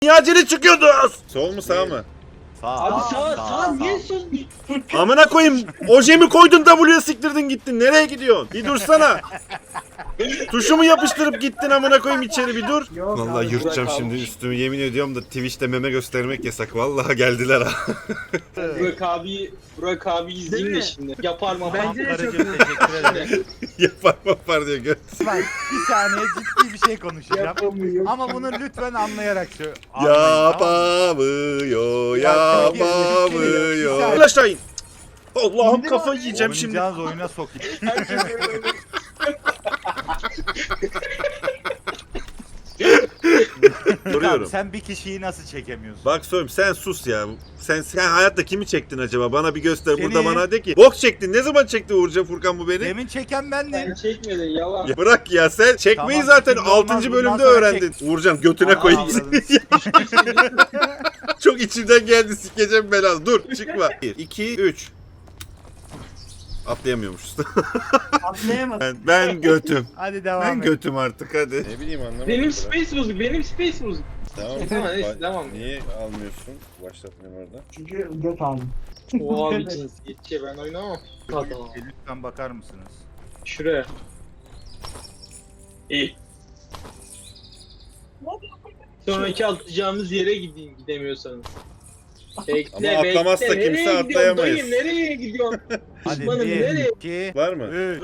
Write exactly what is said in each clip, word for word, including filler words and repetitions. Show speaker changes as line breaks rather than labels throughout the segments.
Niye acele çıkıyordunuz? Sol mu sağ mı?
Sağ.
Abi sağ sağ niye sol?
Amına koyayım. Ojemi koydun W'ye siktirdin gittin. Nereye gidiyorsun? Bir dursana. Tuşumu yapıştırıp gittin amına koyayım içeri bir dur.
Yok
Vallahi
abi,
yırtacağım
Burak
şimdi
almış.
üstümü yemin ediyorum da Twitch'te meme göstermek yasak. Vallahi geldiler ha.
Burak abi Burak abi izleyin
Değil
de
mi?
şimdi. Yapar mı?
Bence de çok
Karıcığım teşekkür ederim.
Yapar yapar diyor göt.
Bak bir saniye ciddi bir şey konuşacağım.
Yapamıyor.
Ama bunu lütfen anlayarak söyle. Anlayın, tamam mı?
Yapamıyor,
Ya, Türkiye-
yapamıyor.
Türkiye-
Gel aşağı in. Allah'ım
İndir
kafayı
abi.
yiyeceğim şimdi.
Oynayacağınız oyuna sokayım. Tamam,
Soruyorum.
sen bir kişiyi nasıl çekemiyorsun?
Bak söyleyeyim sen sus ya. Sen, sen hayatta kimi çektin acaba? Bana bir göster.
Seni.
Burada bana de ki. Bok çektin. Ne zaman çekti Uğurcan Furkan bu beni?
Demin çeken bendim.
Sen çekmedin yalan.
Ya bırak ya sen çekmeyi
Tamam,
zaten
şimdi olmaz,
altıncı
bundan
bölümde
sonra
öğrendin. Uğurcan götüne
Ana
koyayım
avradını
seni. Çok içimden geldi sikeceğim belanı. Dur çıkma. bir, iki, üç. Atlayamıyormuşuz.
atlayamadım.
ben, ben götüm.
Hadi devam
Ben
et.
götüm artık hadi. Ne bileyim anlamadım.
Benim space bozuk, benim space bozuk.
Tamam.
Tamam, neyse, devam.
Niye almıyorsun? Başlatmayayım orada.
Çünkü göt aldım.
O abi cinsiyetçi ben oynamam. Hadi.
Lütfen bakar mısınız?
Şuraya. İyi. Sonraki atlayacağımız yere gideyim gidemiyorsanız. Bekle,
Ama atlamazsa
bekle.
kimse
Nereye gidiyorsun
atlayamayız.
dayım, nereye gidiyorsun?
Hadi
Düşmanım,
bir,
nereye?
iki,
Var mı?
üç.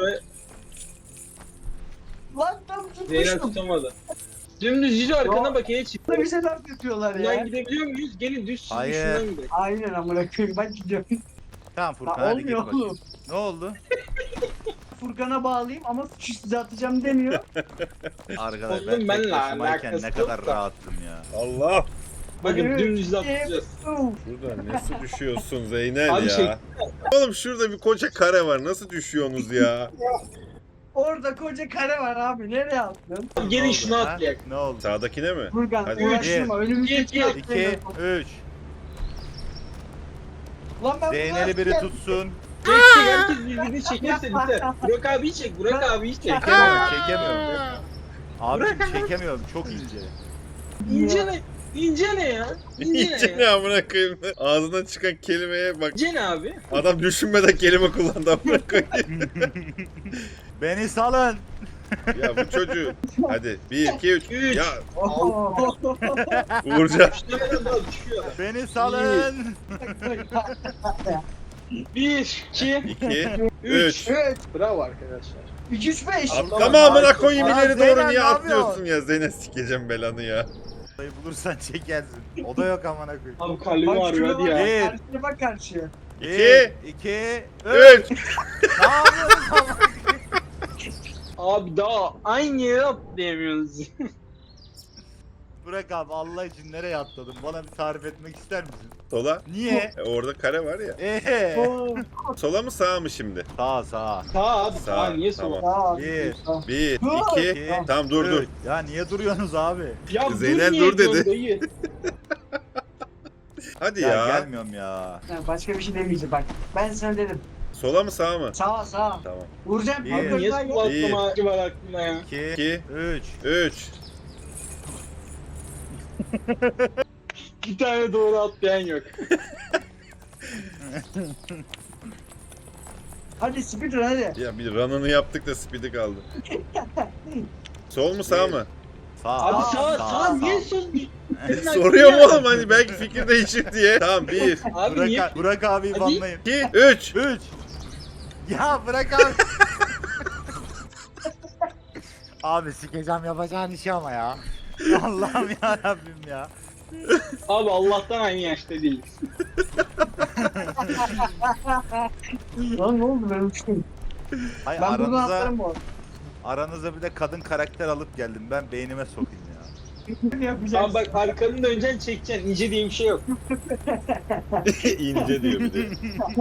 Lan tam
Zeynep
tutmuştum.
tutamadı. Dümdüz yüzü arkana
Yo.
bak yine çıktı.
Burada bir şeyler tutuyorlar
Buradan
ya.
gidebiliyor muyuz? Gelin düz
Hayır.
şundan gidelim.
Aynen amına koyayım ben gidiyorum.
Tamam Furkan
Lan
hadi git
olmuyor
bakayım.
oğlum.
Ne oldu?
Furkan'a bağlayayım ama suçu size atacağım demiyor.
Arkadaş
Oğlum,
ben tek
benle
başımayken
alakası
ne
yok
kadar
da.
rahattım ya.
Allah.
Bakın
Evet.
dümdüz atlayacağız.
Şurada nasıl düşüyorsun Zeynel
Abi
ya?
şey-
Oğlum şurada bir koca kare var. Nasıl düşüyorsunuz ya?
Orada koca kare var abi. Nereye attın?
Abi gelin
Ne
şunu
oldu, ha?
atlayak.
Ne oldu?
Sağdakine mi?
Furkan
Hadi.
uğraştırma. Önümüzdeki
Bir,
iki,
atlayalım.
üç.
Lan ben
Zeynel'i biri
tutsun.
tutsun.
Çek çek herkes birbirini çekerse biter. Burak abiyi çek, Burak abiyi çek.
Çekemiyorum, çekemiyorum. Abicim çekemiyorum, çok ince.
İnce ne? İnce ne ya? İnce
İyice
ne
ne
ya?
amına koyayım. Ağzından çıkan kelimeye bak.
İnce ne abi?
Adam düşünmeden kelime kullandı amına koyayım.
Beni salın.
Ya bu çocuğu. Hadi bir iki üç.
Üç.
Ya
Oh.
Uğurcan.
İşte ne kadar düşüyor.
Beni salın.
Bir, iki,
iki üç.
Evet.
bravo arkadaşlar.
üç üç beş.
Atlama amına koyayım
Aa,
ileri
Zeynel,
doğru
ne
niye
yapıyorsun?
atlıyorsun ya? Zeynep sikeceğim belanı ya.
Odayı bulursan çekersin. O da yok amına koyayım.
Abi kalbim
Bak
ağrıyor
şuna
hadi
bak.
ya.
Bir.
Karşıya bak karşıya.
İki.
Bir, iki, üç.
Üç.
Ne yapıyorsun amına koyayım?
Abi daha aynı yere atlayamıyoruz.
Bırak abi Allah için nereye atladın? Bana bir tarif etmek ister misin?
Sola.
Niye?
E, orada kare var ya.
Eee.
Oo.
Sola mı sağa mı şimdi?
Sağ sağ.
Sağ abi
Sağ,
sağ niye
tamam.
sola?
Aa,
Bir.
sağ.
Bir,
Dur.
iki.
İki,
Tamam dur dur.
üç. Ya niye duruyorsunuz abi?
Ya
Zeynel
niye
dur dedi.
diyorsun dayı?
Hadi
Ya,
ya.
gelmiyorum ya.
Ya başka bir şey demeyeceğim bak. Ben sana dedim.
Sola mı sağa mı?
Sağa sağa.
Tamam.
Vuracağım.
Bir.
Bir.
Niye sola atlama var aklına ya?
İki,
İki.
üç.
Üç.
Bir tane doğru atlayan yok.
Hadi speedrun hadi.
Ya bir run'ını yaptık da speed'i kaldı. Sol mu sağ
Bir.
mı?
Sağ.
Abi sağ sağ niye sol?
Soruyorum oğlum hani belki fikir değişir diye. Tamam bir,
Abi niye?
Burak, Burak abi
Hadi.
banlayın.
iki, üç.
Üç. Ya bırak abi. Abi sikeceğim yapacağın işi ama ya. Allah'ım ya Rabbim ya.
Abi Allah'tan aynı yaşta değiliz.
Lan ne oldu ben uçtum.
Hay
Ben buradan
aranıza,
atlarım bu arada.
aranıza bir de kadın karakter alıp geldim. Ben beynime sokayım ya.
Ne yapacağız?
Abi bak arkanı döneceksin çekeceksin. İnce diye bir şey yok.
İnce diyor bir de.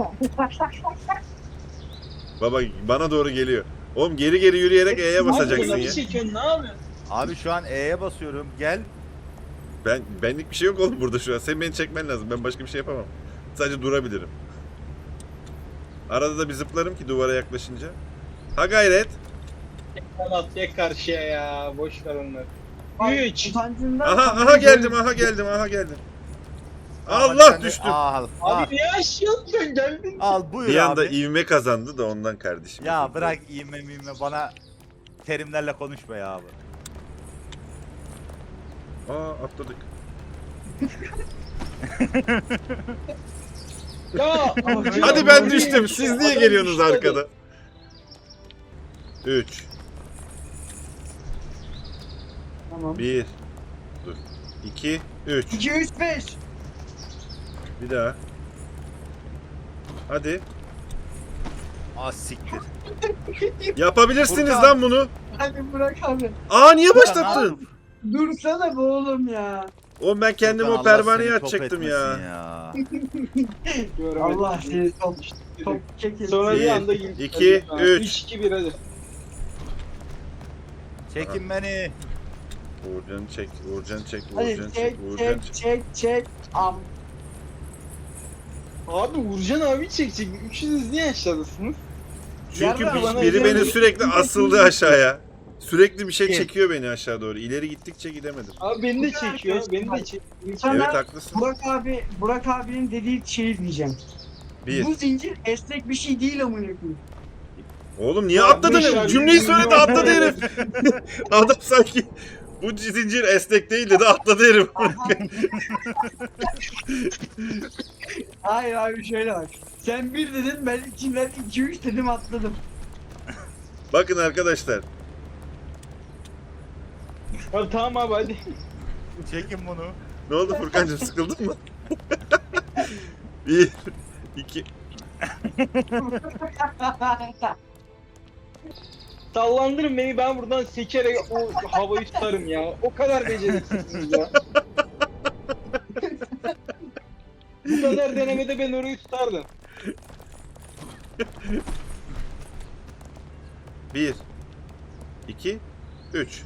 Baba bana doğru geliyor. Oğlum geri geri yürüyerek E'ye basacaksın
Abi
ya.
nasıl çekiyorsun ne yapıyorsun?
Abi şu an E'ye basıyorum. Gel.
Ben benlik bir şey yok oğlum burada şu an. Sen beni çekmen lazım. Ben başka bir şey yapamam. Sadece durabilirim. Arada da bir zıplarım ki duvara yaklaşınca. Ha gayret.
Sen atlayak karşıya ya. Boş ver onları. üç.
Utancından
Aha aha
kafayı
geldim
böyle-
aha geldim aha geldim.
Hadi
Allah
sen de-
düştüm.
Al, al,
Abi niye aşağı atıyorsun geldin?
al buyur
Bir anda
abi.
ivme kazandı da ondan kardeşim.
Ya bırak ivme mivme bana terimlerle konuşma ya abi.
Aa atladık.
Ya
Hadi ben düştüm. Siz niye geliyorsunuz arkada? üç,
Tamam.
bir, dur. iki, üç.
iki, üç, beş.
Bir daha. Hadi.
Ah siktir.
Yapabilirsiniz
Furkan.
lan bunu.
Hadi bırak abi.
Aa niye
Furkan,
başlattın?
Dursana be oğlum ya.
Oğlum ben kendimi
Furkan,
o
Allah
pervaneye
seni top
atacaktım
etmesin
ya.
ya.
Allah seni top, top çekil.
Sonra bir
Bir,
anda
iki, üç.
üç, iki, bir hadi.
Çekin beni.
Uğurcan'ı çek, Uğurcan'ı çek,
Hadi
Uğurcan'ı
çek
çek, Uğurcan'ı
çek
çek.
çek çek. Am.
Abi Uğurcan abi çekecek. Üçünüz niye aşağıdasınız?
Çünkü
Yarra
bir-
bana
biri
özel
beni
bir-
sürekli asıldı aşağıya. Sürekli bir şey
Kim?
çekiyor beni aşağı doğru. İleri gittikçe gidemedim.
Abi beni de çekiyor. Beni de çekiyor.
Sana
Evet haklısın.
Burak abi, Burak abinin dediği şeyi diyeceğim.
Bir.
Bu zincir esnek bir şey değil amına koyayım.
Oğlum niye
Ya
atladın?
beş ay-
Cümleyi söyledi atladı herif. Adam sanki bu zincir esnek değil dedi atladı herif.
Hayır abi şöyle bak. Sen bir dedin ben içinden iki üç dedim atladım.
Bakın arkadaşlar.
Abi tamam abi hadi.
Çekin bunu.
Ne oldu Furkancığım sıkıldın mı? Bir, iki.
Sallandırın beni, ben buradan sekerek o havayı tutarım ya. O kadar beceriksizsiniz ya. Bu kadar denemede ben orayı tutardım.
Bir, iki, üç.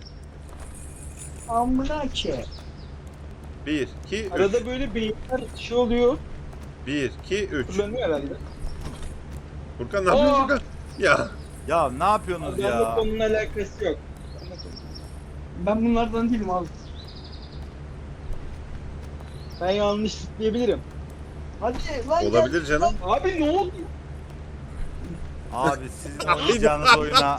Amına ki.
Bir, iki, üç.
Arada böyle beyinler şey oluyor.
Bir, iki, üç.
Kullanıyor herhalde.
Furkan ne yapıyorsun
Aa!
Furkan? Ya.
Ya ne yapıyorsunuz
Adamla
ya?
konunun alakası yok.
Ben bunlardan değilim abi.
Ben yanlış diyebilirim.
Hadi lan gel.
Olabilir canım.
Abi ne oldu?
Abi sizin oynayacağınız oyuna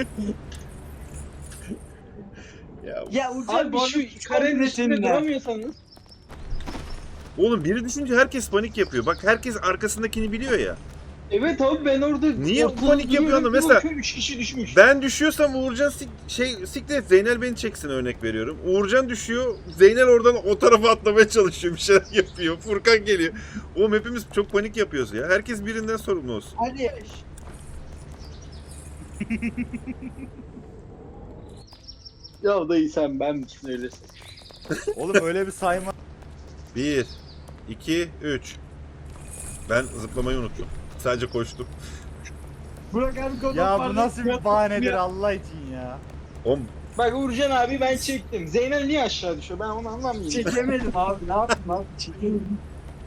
Ya.
Ya Uğurcan
Abi
bu
şu
arada
karenin
komple
üstünde
seninle.
duramıyorsanız.
Oğlum biri düşünce herkes panik yapıyor. Bak herkes arkasındakini biliyor ya.
Evet abi ben orada
Niye
ortada
panik yapıyor
duruyorum,
adam?
bir
Mesela-
bakıyorum, üç kişi düşmüş.
Ben düşüyorsam Uğurcan sik şey siklet Zeynel beni çeksin örnek veriyorum. Uğurcan düşüyor. Zeynel oradan o tarafa atlamaya çalışıyor. Bir şeyler yapıyor. Furkan geliyor. Oğlum hepimiz çok panik yapıyoruz ya. Herkes birinden sorumlu olsun.
Hadi.
Ya dayı sen ben misin öylesin?
oğlum öyle bir sayma.
Bir, iki, üç. Ben zıplamayı unuttum. Sadece koştum.
Burak abi kodum
Ya bu
vardı.
nasıl bir bahanedir
Ya.
Allah için ya.
Oğlum
Bak Uğurcan abi ben çektim. Zeynel niye aşağı düşüyor? Ben onu anlamıyorum.
Çekemedim abi ne yapayım abi çekemedim.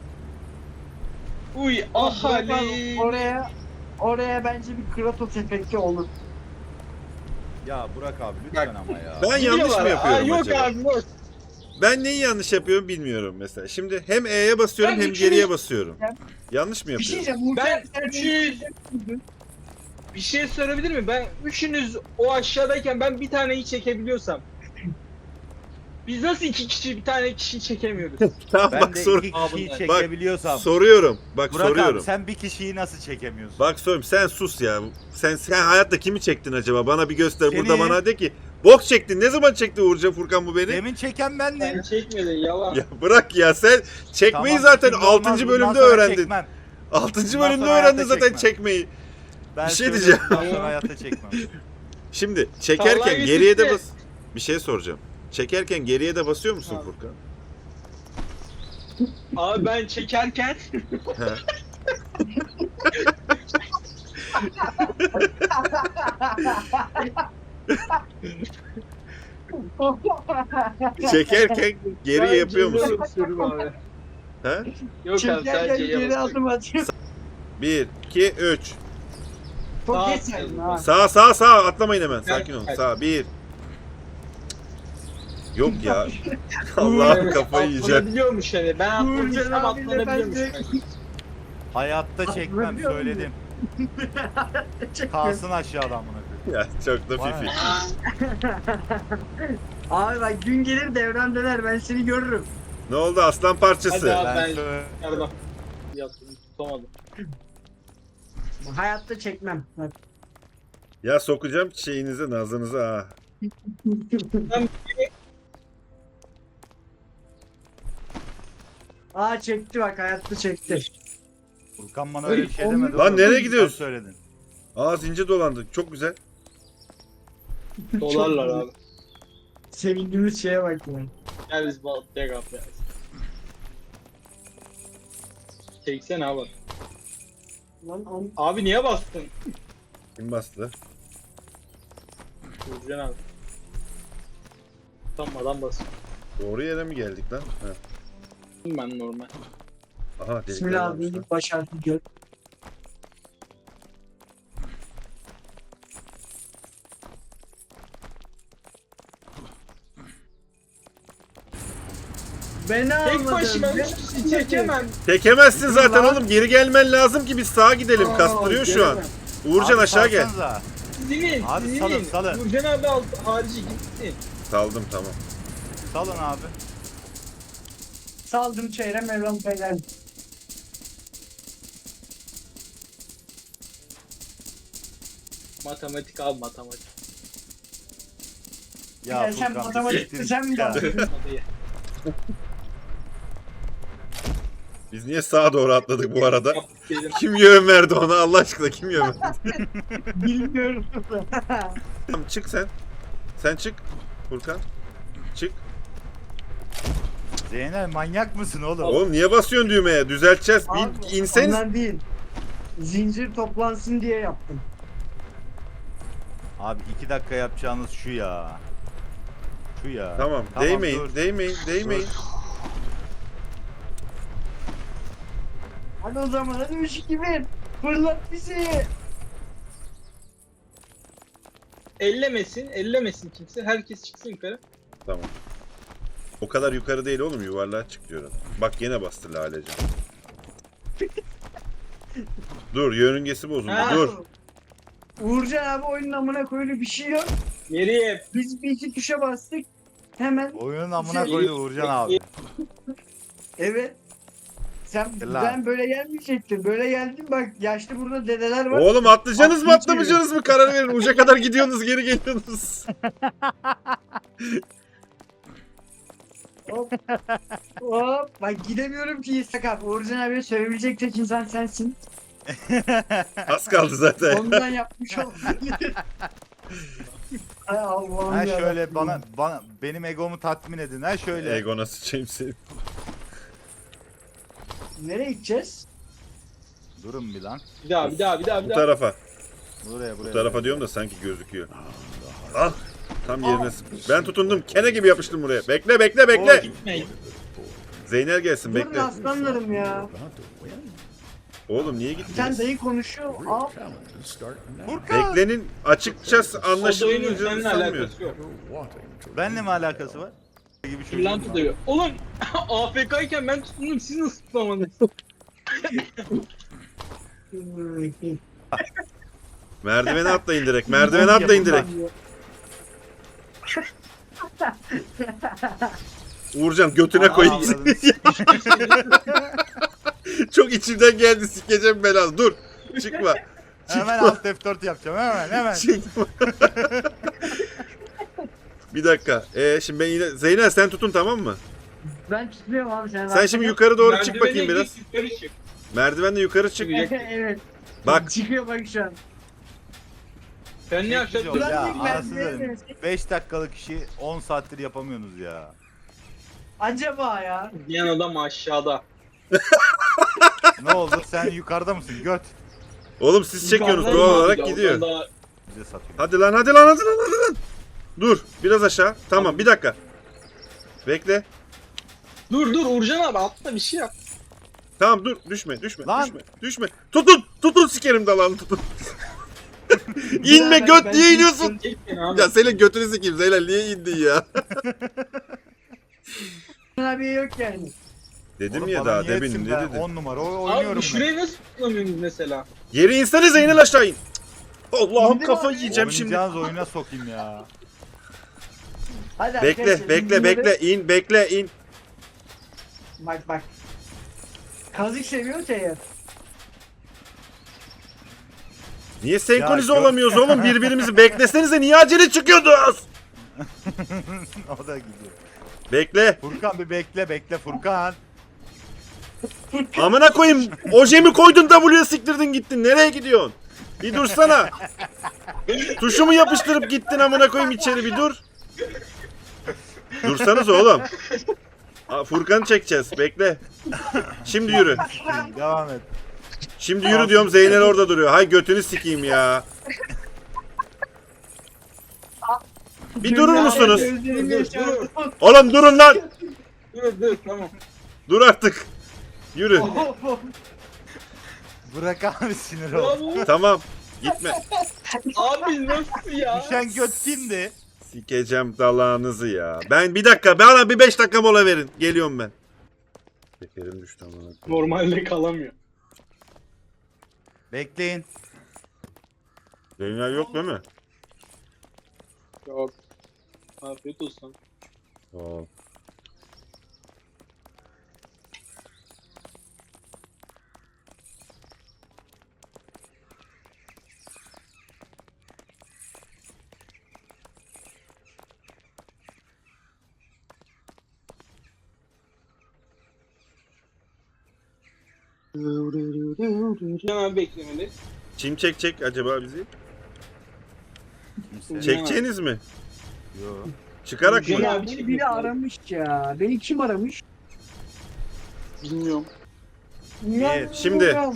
Uy
Ah Burak abi,
ahali.
oraya oraya bence bir Kratos efekti olur.
Ya Burak abi lütfen ama ya.
ben yanlış mı yapıyorum
Aa, yok
acaba?
abi yok.
Ben neyi yanlış yapıyorum bilmiyorum mesela. Şimdi hem E'ye basıyorum
Ben
hem
üçünü-
geriye basıyorum.
Ben-
Yanlış mı
Bir şey
yapıyorum?
diyeceğim.
Ben
Uğurcan, sen
üçü- Bir şey sorabilir miyim? Ben üçünüz o aşağıdayken ben bir taneyi çekebiliyorsam. Biz nasıl iki kişi bir tane kişi çekemiyoruz?
Tamam
Ben
bak
de
sor
iki
Aa,
kişiyi
bunlar.
çekebiliyorsam.
soruyorum. Bak
Burak
soruyorum.
abi sen bir kişiyi nasıl çekemiyorsun?
Bak soruyorum sen sus ya. Sen sen hayatta kimi çektin acaba? Bana bir göster.
Seni.
Burada bana de ki bok çektin. Ne zaman çekti Uğurcan Furkan bu beni?
Demin çeken bendim.
Sen çekmedin yalan.
Ya bırak ya sen çekmeyi
Tamam,
zaten
şimdi olmaz,
altıncı
bundan
bölümde
sonra
öğrendin.
çekmem.
altıncı
Bundan
bölümde
sonra
öğrendin
hayatta
zaten
çekmem.
çekmeyi.
Ben
Bir şey
söylüyorum,
diyeceğim.
bundan sonra hayatta çekmem.
Şimdi çekerken
Vallahi
geriye de
bitti.
bas. Bir şey soracağım. Çekerken geriye de basıyor musun
Abi.
Furkan?
Abi ben çekerken
He. Çekerken geriye
ben
yapıyor
cümle
musun?
basıyorum abi.
He?
Yok abi
Çekerken
sadece
geri
yapıyorum.
adım atıyor.
Bir, iki, üç.
Çok
Sağ-
geçer ha.
Sağ sağ sağ atlamayın hemen. Sakin olun.
Evet.
Sağ bir. Yok ya. Allah'ım kafayı yiyeceğim.
Atlanabiliyormuş hani. Ben
Uğurcan
atlamışsam
abiyle ben
atlanabiliyormuş.
de-
hani.
Hayatta çekmem
Atlanıyor
söyledim.
Çekmiyor.
Kalsın aşağıdan bunu.
Ya çok da
Bana
fifi.
ne?
Abi bak gün gelir devran döner ben seni görürüm.
Ne oldu aslan parçası?
Hadi abi.
Ben
Ben-
söyle-
Pardon. Yaptım. Tutamadım.
Hayatta çekmem. Bak.
Ya sokacağım şeyinize nazınıza ha.
Aa çekti bak hayatta çekti.
Furkan bana öyle bir şey
Oğlum,
demedi.
Lan
oğlum.
nereye
Sen
gidiyorsun?
söyledin.
Aa zincir dolandık. Çok güzel.
Dolarlar abi.
Sevindiğimiz şeye bak ya.
Gel biz balıklıya kap ya. Çeksene abi.
Lan am-
Abi niye bastın?
Kim bastı?
Uğurcan abi. Utanmadan basın.
Doğru yere mi geldik lan? Ha.
Ben normal.
Aha delikler
Bismillah
varmış lan.
abi baş harfi gör. Beni
Tek
almadın.
başıma
beni
üç kişi
almadın.
çekemem.
Çekemezsin zaten
Lan.
oğlum. Geri gelmen lazım ki biz sağa gidelim.
Aa,
Kastırıyor şu an.
gelemem.
Uğurcan
Abi
aşağı gel.
salsanıza.
Sizin,
Abi
sizin.
salın, salın.
Uğurcan abi alt, harici gitsin.
Saldım tamam.
Salın abi.
Saldım çeyre Mevlam Beyler.
Matematik abi matematik.
Ya,
Ya sen
Furkan,
matematikte
siktir
sen mi
git ya.
daldın?
Hadi.
Biz niye sağa doğru atladık bu arada?
Yaptık dedim.
Kim yön verdi ona Allah aşkına kim yön verdi?
Bilmiyorum.
Tamam çık sen. Sen çık. Furkan. Çık.
Zeynel manyak mısın oğlum?
Oğlum niye basıyorsun düğmeye? Düzelteceğiz.
Abi,
Bir inseniz.
ondan değil. Zincir toplansın diye yaptım.
Abi iki dakika yapacağınız şu ya. Şu ya.
Tamam. Değmeyin.
dur.
Değmeyin. Değmeyin.
Hadi o zaman hadi üç iki bir. Fırlat bizi.
Ellemesin, ellemesin kimse. Herkes çıksın yukarı.
Tamam. O kadar yukarı değil oğlum yuvarlığa çık diyorum. Bak yine bastı Lalecan. Dur yörüngesi bozuldu
Ha.
dur.
Uğurcan abi oyunun amına koyulu bir şey yok.
Geriye.
Biz bir iki tuşa bastık. Hemen
Oyunun amına
Şey-
koydu Uğurcan abi.
evet. Sen
Lan.
ben böyle gelmeyecektim. Böyle geldim bak yaşlı burada dedeler var.
Oğlum atlayacaksınız mı
Atlayacağız.
atlamayacaksınız mı karar verin. Uca kadar gidiyorsunuz geri geliyorsunuz.
Hop. Hop. Bak gidemiyorum ki sakat. Uğurcan abiye söyleyecek tek insan sensin.
Az kaldı zaten.
Ondan yapmış olabilir. Ay Allah'ım
Ha
yarabbim.
şöyle bana bana benim egomu tatmin edin. Ha şöyle.
Egona sıçayım seni.
Nereye gideceğiz?
Durun bir lan.
Bir daha, bir daha, bir daha,
Bu
bir daha.
tarafa.
Buraya buraya.
Bu tarafa diyorum da sanki gözüküyor. Al. Tam yerine sık- Ben tutundum. Kene gibi yapıştım buraya. Bekle bekle bekle.
Gitmeyin.
Zeynel gelsin
Durun
bekle.
aslanlarım ya.
Oğlum niye
Sen
gittiniz?
dayı konuşuyor. Al.
Furkan.
Beklenin açıkçası
O da oyunun
anlaşılmayacağını
seninle
sanmıyorum.
alakası yok.
Benle mi alakası var? Gibi çocuğum
Kırlantı
var.
dövüyor. Oğlum A F K iken ben tutundum, siz nasıl tutamadınız?
Merdivene atlayın direkt. Merdivene atlayın direkt. Uğurcan götüne
Aa,
koyayım
anladım.
seni. Çok içimden geldi sikeceğim belanı. Dur. Çıkma.
Hemen alt F dört yapacağım hemen hemen.
Çıkma. Bir dakika. Ee, şimdi ben yine... Zeynel sen tutun tamam mı?
Ben tutuyorum abi sen.
Sen şimdi yukarı doğru çık
Merdivene
bakayım biraz.
git, yukarı çık.
Merdivenle yukarı çık.
Evet.
Bak.
Çıkıyor bak şu an.
Sen ne yapacaksın?
Yok ya
Ulan bir
anasını
merdivene
satayım.
dönsek.
beş dakikalık işi on saattir yapamıyorsunuz ya.
Acaba ya.
Diyen adam aşağıda.
Ne oldu sen yukarıda mısın göt?
Oğlum siz çekiyorsunuz
Yukarıdan
doğal
abi
olarak
ya,
gidiyor.
oradan da-
Bize satıyor.
Hadi lan hadi lan hadi lan hadi lan. Dur biraz aşağı. Tamam bir dakika. Bekle.
Dur dur Uğurcan abi atla bir şey yap.
Tamam dur düşme düşme
Lan.
düşme düşme. Tutun tutun sikerim dalağını tutun. İnme
Ben-
göt
ben-
niye iniyorsun?
Çek beni abi.
Ya senin götünü sikeyim Zeynel niye indin ya?
Abi yok yani.
Dedim
Oğlum
ya
bana
daha
niye
demin
etsin
ne
be?
dedim?
on numara o- oynuyorum
Abi şurayı nasıl tutamıyorsunuz mesela?
Yere insene Zeynel aşağı in. Allah'ım
İndim
kafa
abi.
ben.
yiyeceğim şimdi.
Oynayacağınız oyuna sokayım ya.
Hadi
Bekle
arkadaşlar,
bekle
bunları-
bekle in bekle in.
Bak bak. Kazık seviyorsa eğer.
Niye senkronize
Ya, gö-
olamıyoruz oğlum birbirimizi beklesenize niye acele çıkıyordunuz?
O da gidiyor.
Bekle.
Furkan bir bekle bekle Furkan.
Amına koyayım. Ojemi koydun W'ye siktirdin gittin. Nereye gidiyorsun? Bir dursana. Tuşumu yapıştırıp gittin amına koyayım içeri bir dur. Dursanız oğlum. Aa, Furkan'ı çekeceğiz. Bekle. Şimdi yürü.
Devam et.
Şimdi yürü diyorum Zeynel orada duruyor. Hay götünü sikeyim ya. Bir durur
Dünyaya
musunuz?
gözlerim
Dur,
yaşardı.
Oğlum durun lan.
Dur dur tamam.
Dur artık. Yürü.
Bırak abi sinir ol.
Bravo.
Tamam. Gitme.
Abi nasıl ya?
Düşen göt kimdi?
Sikeceğim dalağınızı ya. Ben bir dakika. Bana bir beş dakika mola verin. Geliyorum ben. Şekerim düştü amına koyayım.
Normalde kalamıyor.
Bekleyin.
Zeynel yok değil mi?
Yok. Afiyet olsun.
Aa.
Hemen beklemeli.
Kim çekecek acaba bizi?
Kimse.
Çekeceğiniz mi?
Yo.
Çıkarak
Gene
mı?
abi
Ya beni
çekmek
biri
lazım.
aramış ya. Beni kim aramış?
Bilmiyorum.
Ya,
şimdi.
ya.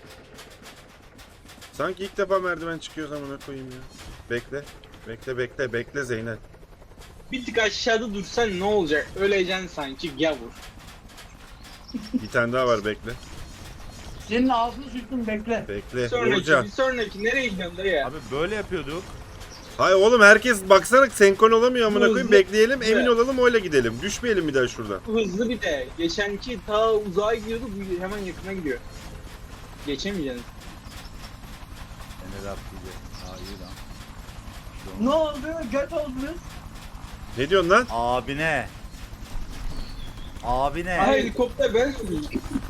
Sanki ilk defa merdiven çıkıyoruz amına koyayım ya. Bekle. Bekle bekle bekle Zeynel.
Bir tık aşağıda dursan ne olacak? Öleceksin sanki gavur.
Bir tane daha var bekle.
Senin ağzını sıktım bekle.
Bekle.
Sonraki,
Vuracağım.
bir sonraki nereye gidiyorsun dayı ya?
Abi böyle yapıyorduk.
Hayır oğlum herkes baksana senkron olamıyor amına koyayım.
Hızlı.
Bekleyelim emin
Evet.
olalım öyle gidelim. Düşmeyelim bir daha şuradan.
Hızlı bir de. Geçenki ta uzağa gidiyordu, bu hemen yakına gidiyor. Geçemeyeceksin.
Enes atlayacak. Aa iyi lan.
Ne oldu? Göt oldunuz.
Ne diyorsun lan?
Abine. Abine.
Ha helikopter ben sürüyorum.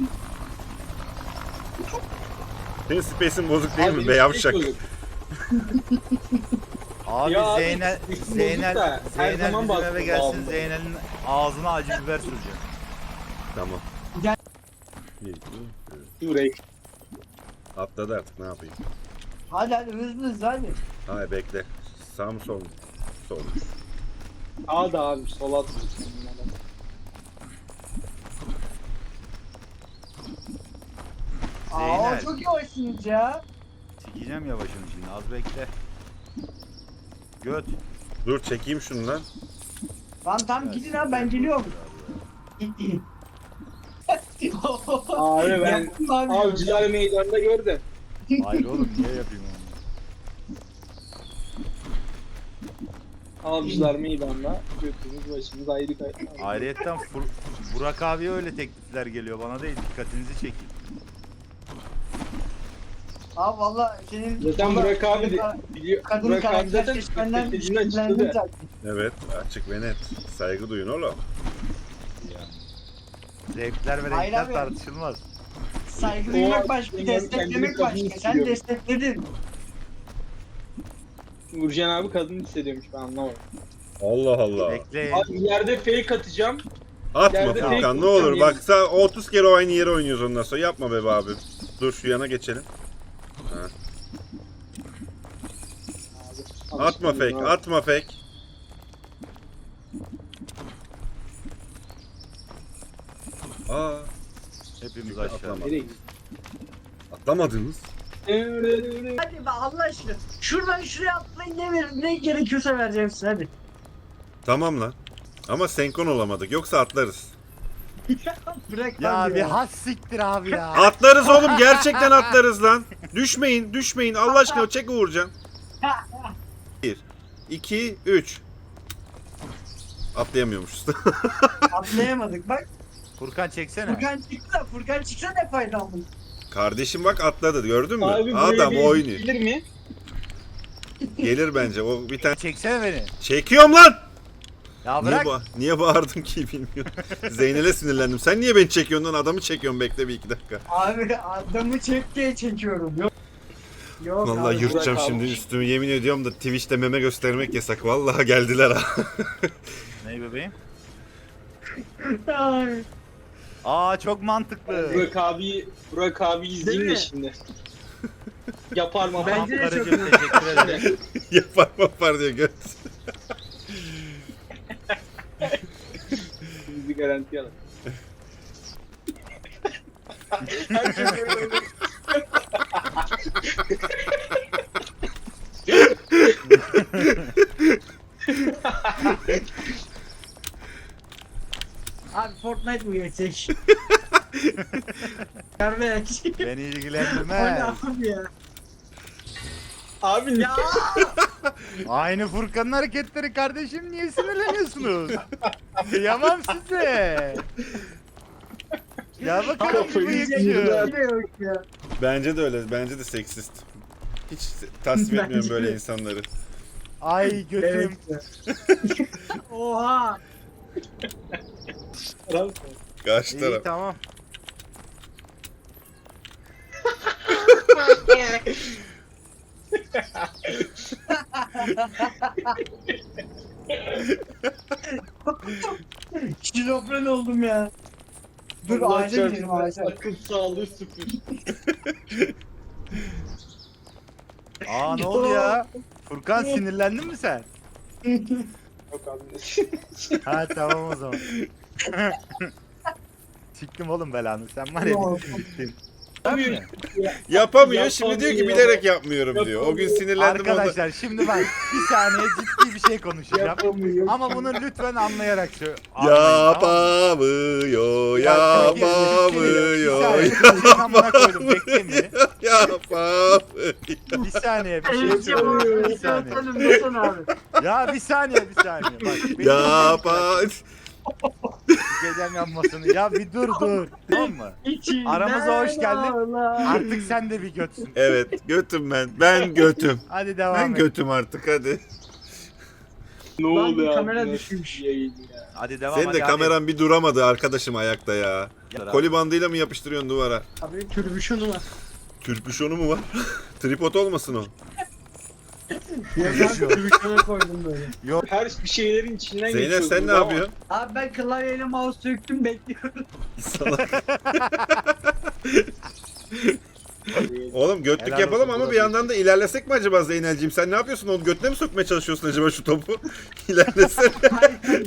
Senin space'in bozuk değil
Abi,
mi be yavşak?
bozuk.
Abi
Ya abi,
Zeynel,
bozuk da
Zeynel,
her
Zeynel
zaman
bizim
baktım
eve gelsin.
ağzına.
Zeynel'in ağzına acı biber süreceğim.
Tamam.
Gel.
Bir, iki, üç.
Şurayı.
Atladı artık ne yapayım?
Hadi hadi hızlı hızlı hadi.
Hayır bekle. Sağ mı sol mu? Sol.
Sağa da abi sola atıyorsun.
Aa
Zeynel.
çok yavaşsınız ya.
Sikeceğim yavaşını şimdi az bekle. Göt.
Dur çekeyim şunu lan.
Lan tam gidin abi ben geliyorum.
Abi ben
Yaptım abi.
avcılar meydanında gördüm.
Hayır oğlum niye yapayım onu?
Avcılar meydanda götümüz başımız ayrı kay.
Ayrıyetten Fur- Burak abiye öyle teklifler geliyor bana değil dikkatinizi çekeyim.
Abi valla senin...
Zaten Burak abi de biliyor.
Kadın
Burak abi
karakter
zaten
seçmenden
stratejini açıkladı.
şüphelendim zaten.
Evet açık ve net. Saygı duyun oğlum.
Zevkler ve
Hayır
renkler
abi.
tartışılmaz.
Saygı
O
duymak başka,
benim
desteklemek
kendimi kadın
başka. Sen
hissediyorum.
destekledin.
Nurcan abi kadın hissediyormuş ben anlamadım.
Allah Allah.
Bekleyin.
Abi ileride fake atacağım.
Atma
Yerde
Furkan
fake
ne olur.
Furkan
Bak sen otuz kere aynı yere oynuyoruz ondan sonra. Yapma be abi. Dur şu yana geçelim. Ha.
Abi,
Atma
alışkanlık
fake,
abi.
atma fake. Aa,
Hepimiz
Atlama.
aşağı.
Nereye gidiyorsun?
atlamadınız.
Hadi be Allah aşkına. Şuradan şuraya atlayın ne verir ne gerekiyorsa vereceğim size hadi.
Tamam lan. Ama senkron olamadık. Yoksa atlarız.
Bırak
Ya
abi
bir has siktir abi ya.
Atlarız oğlum, gerçekten atlarız lan. Düşmeyin, düşmeyin. Allah aşkına çek Uğurcan. bir, iki, üç. Atlayamıyormuşuz.
Atlayamadık bak.
Furkan çeksene.
Furkan çıktı da Furkan çıksa ne faydam bu?
Kardeşim bak atladı, gördün mü?
Abi buraya
Adam
bir
oynuyor.
gelir mi?
Gelir bence. O bir tane
Çeksene beni.
çekiyorum lan.
Ya
Niye,
bırak.
ba niye bağırdım ki bilmiyorum. Zeynel'e sinirlendim. Sen niye beni çekiyorsun lan? Adamı çekiyorsun, bekle bir iki dakika.
Abi adamı çek diye çekiyorum. Yok. Yok
Vallahi
abi.
yırtacağım
bırak
şimdi
abi.
üstümü, yemin ediyorum da Twitch'te meme göstermek yasak. Vallahi geldiler ha.
Ne bebeğim?
Ay.
Aa çok mantıklı.
Burak abi, Burak abi izleyeyim
Değil
de
mi?
şimdi. Yapar mı?
Ben-
Ben...
Bence de çok
Karıcığım
iyi.
teşekkür ederim.
Yapar yapar diyor göt.
Bizi garanti alın. Herkes böyle olur.
Abi Fortnite mı geçecek? Kardeş.
Beni
O ne
ilgilendirmez.
abi ya?
Abi
Ya
Aynı Furkan'ın hareketleri kardeşim, niye sinirleniyorsunuz? Kıyamam size. Ya bakalım bu
Kafayı
bıyıkçı.
yiyeceğim.
yine yok ya.
Bence de öyle. Bence de seksist. Hiç tasvip etmiyorum
Bence
böyle
de.
insanları.
Ay götüm.
Evet. Oha.
Karşı
İyi
taraf.
tamam.
Şizofren oldum ya. Dur
Allah
ağaca
çarpsın,
gidelim ağaca.
Akıl sağlığı sıfır.
Aa ne oldu ya? Furkan sinirlendin mi sen?
Yok abi.
Ha tamam o zaman. Siktim oğlum belanı, sen var ya.
Abi,
Yapamıyor. Şimdi diyor ki
Yapamıyor.
bilerek yapmıyorum diyor. O gün sinirlendim onda.
Arkadaşlar şimdi ben bir saniye ciddi bir şey konuşacağım.
yapamıyor.
Ama bunu lütfen anlayarak söyle. Anlayın, tamam mı?
Yapamıyor,
Ya,
yapamıyor,
Bir saniye, senin amına koydum, bekle mi?
yapamıyor.
Bir saniye bir şey
Evet
söyleyeyim. Bir
yapalım.
saniye.
Yapalım desene abi.
Ya bir saniye bir saniye. Bak benim
Yapamıyor.
gecem yanmasını. Ya bir dur dur. Tamam mı?
İçinden
Aramıza hoş geldin.
ağlar.
Artık sen de bir götsün.
Evet, götüm ben. Ben götüm.
Hadi devam
Ben
et.
götüm artık hadi.
Ne
Lan
oldu
bir
ya?
kamera
Nasıl
düşmüş.
bir yayın ya?
Hadi devam
Senin
hadi,
de
hadi.
kameran bir duramadı arkadaşım ayakta ya.
Hadi.
Koli bandıyla mı yapıştırıyorsun duvara?
Abi türbüşonu var.
Türpüşonu mu var? Tripod olmasın o.
Ya ben türbüşona koydum böyle.
Her bir şeylerin içinden
Zeynep
geçiyoruz
sen ne
ama
yapıyorsun?
Abi ben klavyeyle mouse söktüm bekliyorum.
Salak. Oğlum götlük
Helal
yapalım
olsun,
ama
bravo.
bir yandan da ilerlesek mi acaba Zeynel'ciğim? Sen ne yapıyorsun? Onu götüne mi sokmaya çalışıyorsun acaba şu topu? İlerlesene.
Hayır, hayır.